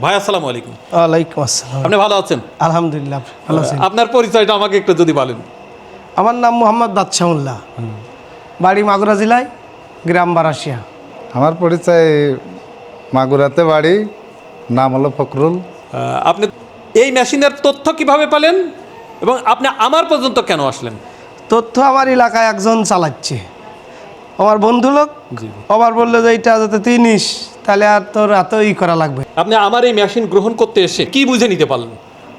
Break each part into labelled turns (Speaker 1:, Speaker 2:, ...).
Speaker 1: ভাই আসসালামু আলাইকুম।
Speaker 2: ওয়ালাইকুম আসসালাম।
Speaker 1: আপনি ভালো আছেন?
Speaker 2: আলহামদুলিল্লাহ, ভালো আছেন?
Speaker 1: আপনার পরিচয়টা আমাকে একটু যদি বলেন।
Speaker 2: আমার নাম মোহাম্মদ বাদশাহুল্লাহ, বাড়ি মাগুরা জেলায়, গ্রাম বারাসিয়া।
Speaker 3: আমার পরিচয় মাগুরাতে বাড়ি, নাম হলো ফখরুল।
Speaker 1: আপনি এই মেশিনের তথ্য কিভাবে পেলেন এবং আপনি আমার পর্যন্ত কেন আসলেন?
Speaker 2: তথ্য আমার এলাকায় একজন চালাচ্ছে, আমার বন্ধু লোক।
Speaker 1: জি।
Speaker 2: আবার বললো যে এইটা যাতে তুই নিস, তাহলে আর তোর এত করা লাগবে।
Speaker 1: আপনি আমার এই মেশিন গ্রহণ করতে এসে কি বুঝে নিতে পারলেন?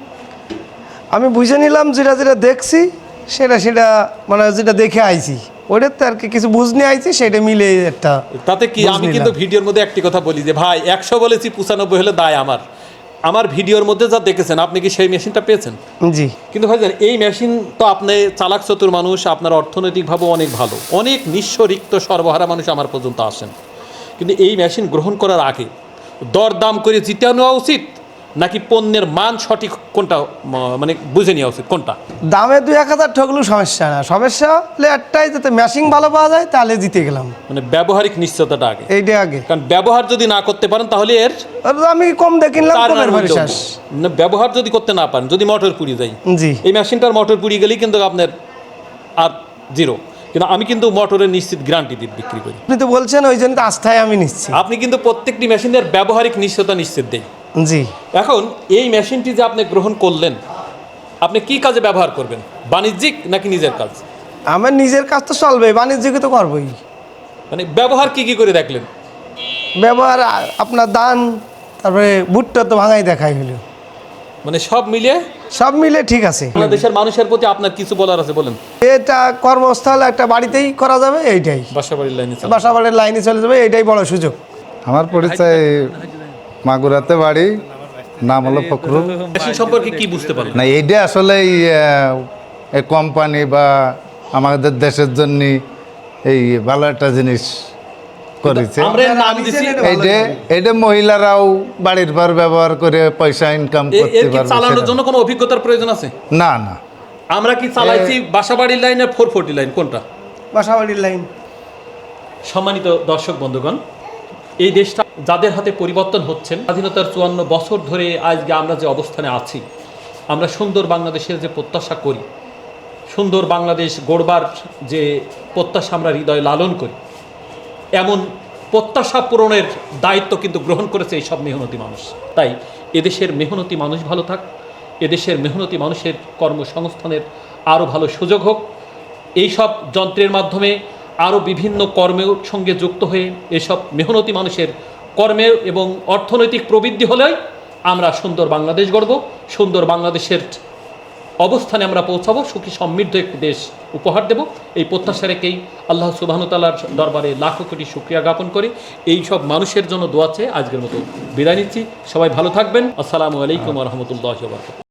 Speaker 2: আমি বুঝে নিলাম যেটা যেটা দেখছি সেটা মানে যেটা দেখে আইছি ওটার তো আর কি কিছু বুঝনে আইছি, সেটা মিলে একটা।
Speaker 1: তাতে কি আমি কিন্তু ভিডিওর মধ্যে একটি কথা বলি যে ভাই 100 বলেছি 95 হলে দায় আমার ভিডিওর মধ্যে যা দেখেছেন আপনি কি সেই মেশিনটা পেয়েছেন?
Speaker 2: জি।
Speaker 1: কিন্তু ভাই জানেন এই মেশিন তো আপনি চালাক চতুর মানুষ, আপনার অর্থনৈতিকভাবে অনেক ভালো, অনেক নিঃস্ব রিক্ত সর্বহারা মানুষ আমার পর্যন্ত আসেন। কিন্তু এই মেশিন গ্রহণ করার আগে দরদাম করে জিতে নেওয়া উচিত নাকি পণ্যের মান সঠিক কোনটা মানে বুঝে নেওয়া উচিত কোনটা?
Speaker 2: দামে 2-1000 ঠকলেও সমস্যা না, সমস্যা হলে একটাই, যাতে মেশিন ভালো পাওয়া যায়, তাহলে জিতে গেলাম।
Speaker 1: মানে ব্যবহারিক নিশ্চয়তাটা আগে,
Speaker 2: এইটা আগে।
Speaker 1: কারণ ব্যবহার যদি না করতে পারেন তাহলে এর
Speaker 2: আমি কম দিয়ে কিনলাম,
Speaker 1: তার
Speaker 2: কমের
Speaker 1: নাম
Speaker 2: ভারি
Speaker 1: হইলো
Speaker 2: শেষ।
Speaker 1: না, ব্যবহার যদি করতে না পারেন, যদি মোটর পুড়িয়ে যায়,
Speaker 2: জি।
Speaker 1: এই মেশিনটার মোটর পুড়িয়ে গেলেই কিন্তু আপনার আর জিরো। কিন্তু আমি কিন্তু মোটরের নিশ্চিত গ্যারান্টি দিয়ে বিক্রি করি।
Speaker 2: আপনি তো বলছেন, ওই জন্য তো আস্থায় আমি নিচ্ছি।
Speaker 1: আপনি কিন্তু প্রত্যেকটি মেশিনের ব্যবহারিক নিশ্চয়তা নিশ্চিত দেয়।
Speaker 2: জি।
Speaker 1: এখন এই মেশিনটি যে আপনি গ্রহণ করলেন, আপনি কি কাজে ব্যবহার করবেন, বাণিজ্যিক নাকি নিজের কাজ?
Speaker 2: আমার নিজের কাজ তো চলবে, বাণিজ্যিক তো করবোই।
Speaker 1: মানে ব্যবহার কি কি করে দেখলেন?
Speaker 2: ব্যবহার আপনার দান, তারপরে ভুট্টা তো ভাঙাই দেখাই হলো,
Speaker 1: মানে সব মিলিয়ে
Speaker 2: সব মিলে ঠিক আছে।
Speaker 1: বাংলাদেশের মানুষের প্রতি আপনার কিছু বলার আছে বলেন।
Speaker 2: এটা কর্মস্থল একটা বাড়িতেই করা যাবে, এইটাই
Speaker 1: বাসাবাড়ির লাইনে
Speaker 2: বাসা বাড়ির লাইনে চলে যাবে, এইটাই বড় সুযোগ।
Speaker 3: আমার পরিচয় মাগুরাতে বাড়ি, নাম হলো ফখরুল।
Speaker 1: মেশিন সম্পর্কে কি বুঝতে পারলেন?
Speaker 3: না, এইটা আসলে এই কোম্পানি বা আমাদের দেশের জন্য এই ভালো একটা জিনিস করেছে।
Speaker 1: আমরা এর নাম দিছি,
Speaker 3: এইটা মহিলারাও বাড়ির পর ব্যবহার করে পয়সা ইনকাম করতে
Speaker 1: এর কি
Speaker 3: পারবে।
Speaker 1: চালানোর জন্য কোনো অভিজ্ঞতার প্রয়োজন আছে?
Speaker 3: না না,
Speaker 1: আমরা কি চালাইছি বাসাবাড়ির লাইন আর 440 লাইন, কোনটা?
Speaker 2: বাসা বাড়ির লাইন।
Speaker 1: সম্মানিত দর্শক বন্ধুগণ, এই দেশটা যাদের হাতে পরিবর্তন হচ্ছেন, স্বাধীনতার 54 বছর ধরে আজকে আমরা যে অবস্থানে আছি, আমরা সুন্দর বাংলাদেশের যে প্রত্যাশা করি, সুন্দর বাংলাদেশ গড়বার যে প্রত্যাশা আমরা হৃদয়ে লালন করি, এমন প্রত্যাশা পূরণের দায়িত্ব কিন্তু গ্রহণ করেছে এইসব মেহনতি মানুষ। তাই এদেশের মেহনতি মানুষ ভালো থাক, এদেশের মেহনতি মানুষের কর্মসংস্থানের আরও ভালো সুযোগ হোক, এইসব যন্ত্রের মাধ্যমে আরও বিভিন্ন কর্মের সঙ্গে যুক্ত হয়ে এসব মেহনতি মানুষের কর্মে এবং অর্থনৈতিক প্রবৃদ্ধি হলেই আমরা সুন্দর বাংলাদেশ গড়ব, সুন্দর বাংলাদেশের অবস্থানে আমরা পৌঁছাবো, সুখী সমৃদ্ধ একটি দেশ উপহার দেব। এই প্রত্যাশা রেখেই আল্লাহ সুবহানাহু ওয়া তাআলার দরবারে লাখো কোটি শুকরিয়া জ্ঞাপন করে এই সব মানুষের জন্য দোয়া চেয়ে আজকের মতো বিদায় নিচ্ছি। সবাই ভালো থাকবেন। আসসালামু আলাইকুম ওয়া রাহমাতুল্লাহি ওয়া বারাকাতুহু।